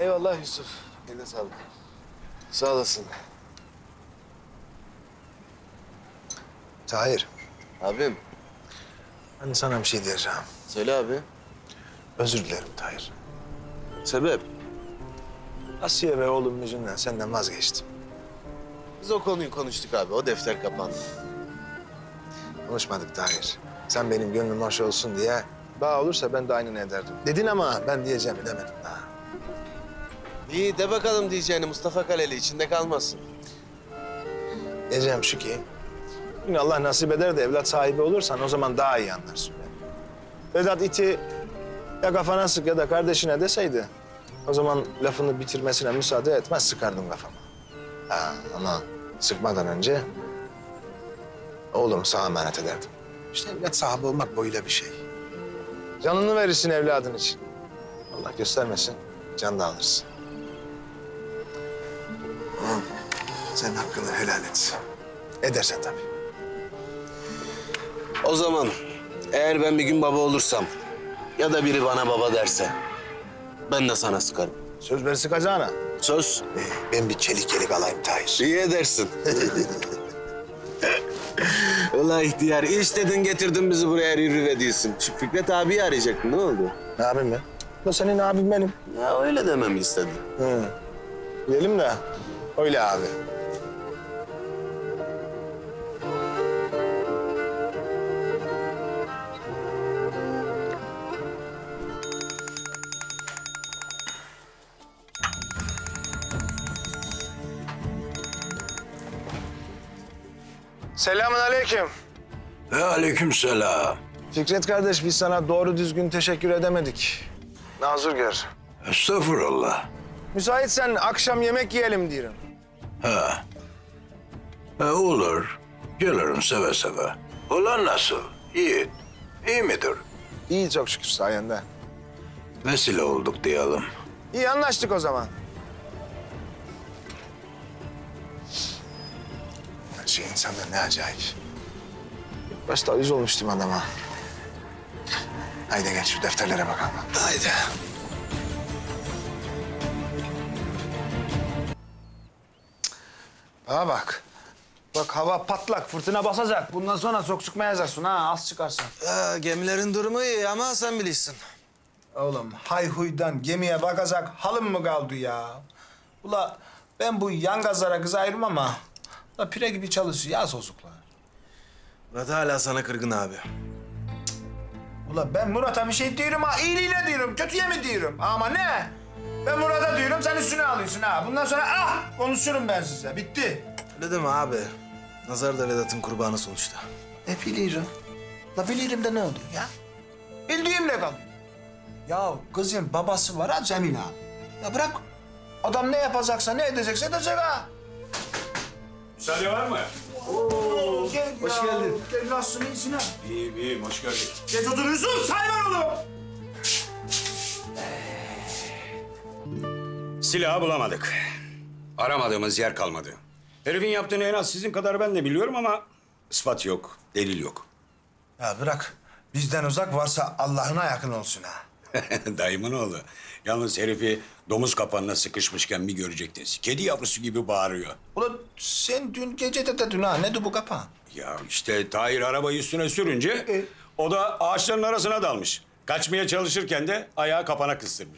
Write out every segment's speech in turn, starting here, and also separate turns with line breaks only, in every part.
Eyvallah Yusuf. Eline sağlık. Sağ olasın.
Tahir,
Abim.
ben sana bir şey diyeceğim.
Söyle abi.
Özür dilerim Tahir.
Sebep?
Asiye ve oğlum yüzünden senden vazgeçtim.
Biz o konuyu konuştuk abi. O defter kapandı.
Konuşmadık Tahir. Sen benim gönlüm hoş olsun diye bağ olursa ben de aynını ederdim. Dedin ama ben diyeceğimi demedim daha.
İyi de bakalım diyeceğini Mustafa Kaleli içinde kalmasın.
Diyeceğim şu ki, yine Allah nasip eder de evlat sahibi olursan o zaman daha iyi anlarsın beni. Vedat iti ya kafana sık ya da kardeşine deseydi, o zaman lafını bitirmesine müsaade etmez, sıkardım kafama. Ha, ama sıkmadan önce oğlumu sana emanet ederdim. İşte evlat sahibi olmak böyle bir şey. Canını verirsin evladın için. Allah göstermesin, can da alırsın. Ama sen hakkını helal et. Edersen tabii.
O zaman eğer ben bir gün baba olursam ya da biri bana baba derse ben de sana sıkarım.
Söz ver sıkacağına.
Söz.
Ben bir çelik alayım Tahir.
İyi edersin. Ulan ihtiyar iş dedin getirdin bizi buraya rüve diyorsun. Şu Fikret abiyi arayacaktın ne oldu?
Abim mi? Da senin abin benim.
Ya öyle dememi istedi.
Hı. Diyelim de öyle abi. Selamun aleyküm.
Ve aleykümselam.
Fikret kardeş, biz sana doğru düzgün teşekkür edemedik. Nazır gör.
Estağfurullah.
Müsaitsen akşam yemek yiyelim diyorum.
Olur. Gelirim seve seve. Ulan nasıl? Yiğit. İyi midir?
İyi çok şükür sayende.
Vesile olduk diyelim.
İyi anlaştık o zaman. Her şey insanda ne acayip. Başta yüz olmuştum adama. Haydi gel şu defterlere bakalım. Haydi. Bana bak. Bak hava patlak, fırtına basacak. Bundan sonra çok sıkmayacaksın ha, az çıkarsan.
Gemilerin durumu iyi ama sen bilirsin.
Oğlum hay huydan gemiye bakacak halım mı kaldı ya? Ula ben bu yangazlara kız ayırmam ama... ...la pire gibi çalışıyor ya sosuklar.
Murat hala sana kırgın abi.
Ula ben Murat'a bir şey diyorum ha, iyiliğine diyorum, kötüye mi diyorum? Ama ne? Ben Murat'a diyorum, sen üstüne alıyorsun ha. Bundan sonra konuşurum ben size, bitti.
Öyle deme abi. Nazar da Vedat'ın kurbanı sonuçta.
Biliyorum. La bilirim de ne oluyor ya? Bildiğimle kalıyor. Ya kızın babası var ha Cemil abi. Ya bırak. Adam ne yapacaksa, ne edecekse edecek ha.
Müsaade var mı?
Gel
Hoş
ya.
geldin.
Gel nasılsın, iyisin ha?
İyiyim, iyiyim. Hoş geldin.
Geç oturuyorsun, sayman oğlum.
Silahı bulamadık. Aramadığımız yer kalmadı. Herifin yaptığını en az sizin kadar ben de biliyorum ama ispat yok, delil yok.
Ya bırak. Bizden uzak varsa Allah'ına yakın olsun ha.
Dayımın oğlu. Yalnız herifi domuz kapanına sıkışmışken bir görecektiniz. Kedi yavrusu gibi bağırıyor.
Ulan sen dün gece de dedin ha, ne bu kapan?
Ya işte Tahir arabayı üstüne sürünce o da ağaçların arasına dalmış. Kaçmaya çalışırken de ayağı kapana kıstırmış.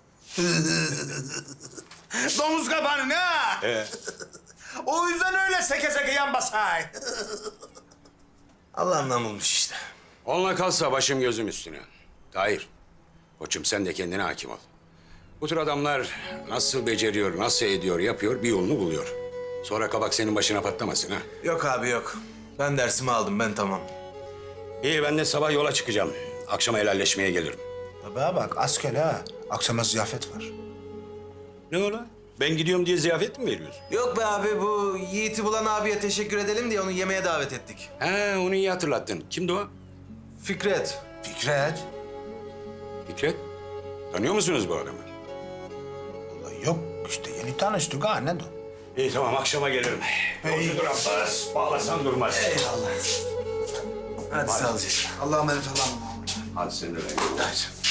Domuz kapanı ha? O yüzden öyle seke seke yan basay.
Allah'ından bulmuş işte.
Onunla kalsa başım gözüm üstüne. Tahir, koçum sen de kendine hakim ol. Bu tür adamlar nasıl beceriyor, nasıl ediyor, yapıyor, bir yolunu buluyor. Sonra kabak senin başına patlamasın ha.
Yok abi yok. Ben dersimi aldım ben tamam.
İyi ben de sabah yola çıkacağım. Akşama helalleşmeye gelirim.
Baba bak asker ha. Akşama ziyafet var.
Ne ola? Ben gidiyorum diye ziyafet mi veriyorsun?
Yok be abi bu Yiğit'i bulan abiye teşekkür edelim diye onu yemeğe davet ettik.
He onu iyi hatırlattın. Kimdi o?
Fikret.
Fikret.
Fikret. Tanıyor musunuz bu adamı?
Vallahi yok işte yeni tanıştık ha, ne de?
İyi tamam akşama gelirim. Yolcudur Abbas. Bağlasan durmaz.
Eyvallah. Hadi sağlıcakla.
Allah'a emanet olun.
Hadi sen de ben.
Hadi.